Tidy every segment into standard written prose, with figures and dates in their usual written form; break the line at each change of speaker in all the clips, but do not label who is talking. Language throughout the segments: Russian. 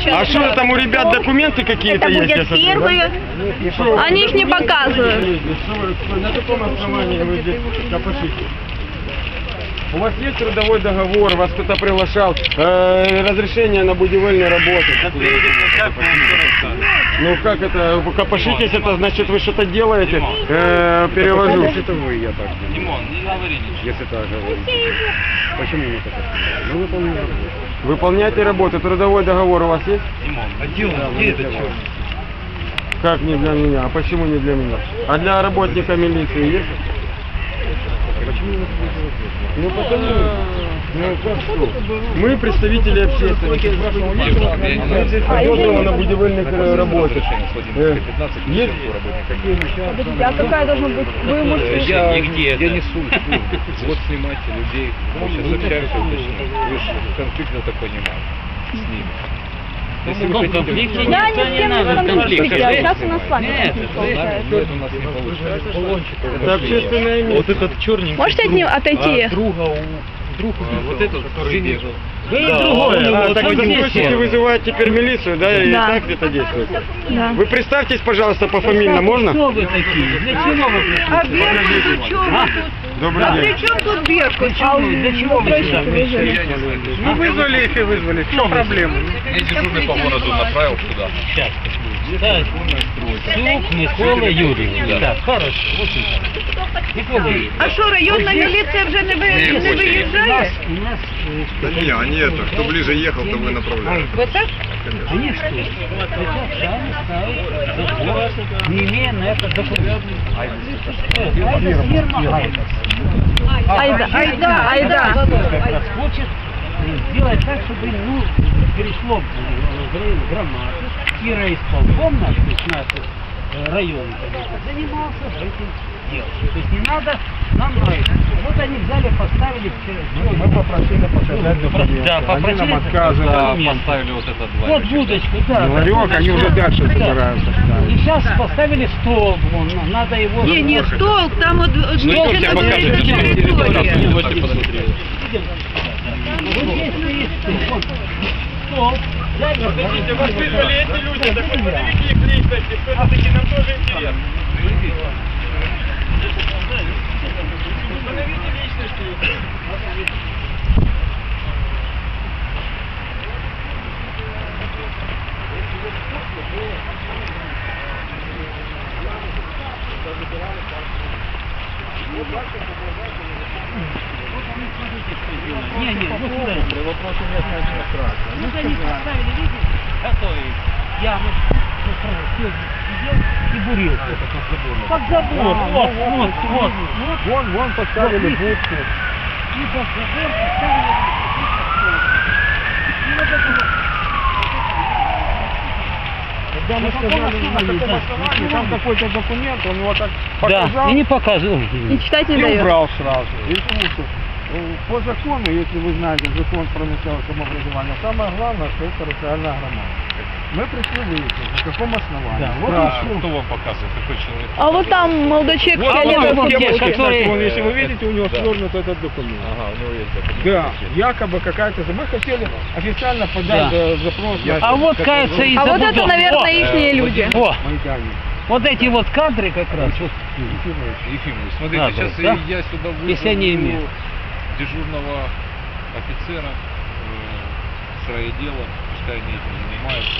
А что там у ребят документы какие-то
Это
есть?
будет первые. Они их не показывают.
На каком основании вы здесь копошите? У вас есть трудовой договор, вас кто-то приглашал, разрешение на будивельные работы? Ну как это, копошитесь, это значит вы что-то делаете? Перевожу.
Это вы, я так думаю.
Димон, не говори ничего.
Если так говорите. Почему не так? Ну, выполняем работу.
Выполняйте работу, трудовой договор у вас есть?
Димон,
Где это что?
Как не для меня? А почему не для меня? А для работника милиции есть?
Почему не
Ну потому, ну как что? Мы представители общественности. Мы здесь поддерживаем на будивельных работах. Есть?
Подождите, а какая должна быть? Вы можете...
Я несу. Вот снимайте людей. Мы сейчас общаемся, вы же конфликт, я так понимаю, с ними. Если вы хотите...
Я ни с кем не в конфликте, а сейчас у нас с вами
Нет,
конфликт получается.
нет, у нас не получается.
Это общественное место.
Вот этот черненький.
Можете от него отойти?
Вот этот, который бежал.
Так вы захотите вызывать теперь милицию, да? И
Да.
так это действует?
Да.
Вы представьтесь, пожалуйста, пофамильно, можно?
Кто вы такие? Для чего вы пришли?
А Беркут, при чем тут?
Добрый
А
день.
при чем тут Беркут?
Для чего вы сюда пришли?
Ну вызвали их и вызвали. В чем проблема?
я дежурный по городу направил сюда.
Сейчас. Так, Сук Микола Юрьевич. Так, хорошо. Вот это. Микола Юрьевич.
А що, районна міліція вже не виїжджає?
У нас
Да не, они это, кто ближе ехал, то вы направляли.
Вот так?
они что? Хотят сами ставить забор, не имея на это документов. А это фирма
Айда, айда.
как раз хочет сделать так, чтобы перешло в громаду, и райисполком наш, то есть наш район занимался этим делом. То есть не надо нам нравится. Вот они взяли, поставили все.
Мы попросили показать документы.
Да,
Они
попросили
нам отказывают.
документы.
Поставили вот этот два.
Вот будочку, да.
Ларек, они уже дальше собираются
И
ставить.
сейчас поставили стол, вон, надо его...
Не стол, там вот
я покажу,
территория.
Можете посмотреть.
Вот здесь стоит стол. Стол.
Подождите, вас вызвали эти люди, так вы подавите их личности, все-таки нам тоже интересно. Установите личности.
Не, вот сюда. Вопросы местной администрации. Вот они поставили, видите, готовые ямы. Сидел и бурил под забор. Вот.
Вон поставили будку.
И под забор поставили. И вот это вот.
Когда мы сказали, на каком основании, там какой-то документ, он его так
Да,
показал
и не показывал.
И читать не
и
дает.
убрал сразу. И слушай, по закону, если вы знаете, закон про местное самообразование, самое главное, что это территориальная громада. Мы пришли выяснить, на каком основании.
Да, вот
Спрашиваем.
Кто вам показывает, какой человек?
А вот там молодой человек в
Вот
фиолетовой
он,
футболке.
кстати,
который-
вон, если вы видите, у него свернут этот документ.
Ага, у него есть документ.
Да, якобы какая-то... Мы хотели официально подать
Да.
запрос на...
А вот, кажется, и
А вот это,
забудов.
наверное, ихние люди.
О,
Майдане.
вот эти вот кадры как раз. Вот.
Ефимович, смотрите,
Надо,
сейчас
да?
я сюда вызову
Если они имеют.
дежурного офицера с райотдела, пускай они этим занимаются.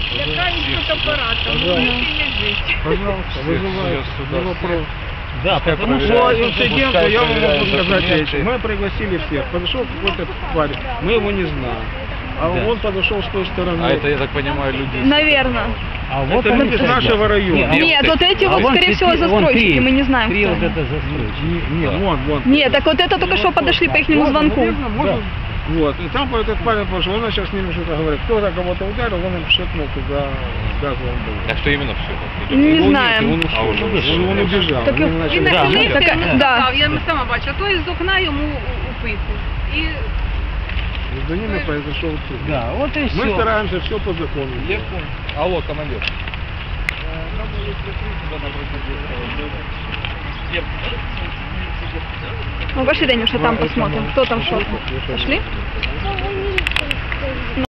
Пожалуйста, вызывайте.
сюда
Не вопрос.
Да, потому
По
что...
инциденту я вам могу
проверяют
сказать
документы.
эти. Мы пригласили всех. Подошел какой-то парень, мы его не знаем. А
Да.
он подошел с той стороны.
А это, я так понимаю, люди...
Наверное.
А вот
Это
они
люди с
стоят.
нашего района.
Нет, вот эти вот,
вон
скорее всего,
вон
застройщики,
три.
мы не знаем,
Три
кто
вот
они.
это застройщики.
Не, вон.
Нет, так вот это только что подошли по ихнему звонку.
Наверное, может. Вот. И там этот парень пошел, он сейчас с ними что-то говорит. Кто-то кого-то ударил, он им шепнул туда с газовым баллоном.
Так что именно все?
Не знаем.
Он ушел. Он убежал.
Так,
Они
і
начали-
на
Да,
поліції
ну, так,
йому сказав,
Я сама бачу, а той з окна йому у пику. І
Между ними произошел суд.
Да, вот и все.
Мы стараемся все по закону.
Я понял. Алло, командир.
Ну, пошли, Данюша, там посмотрим, кто там что. Пошли?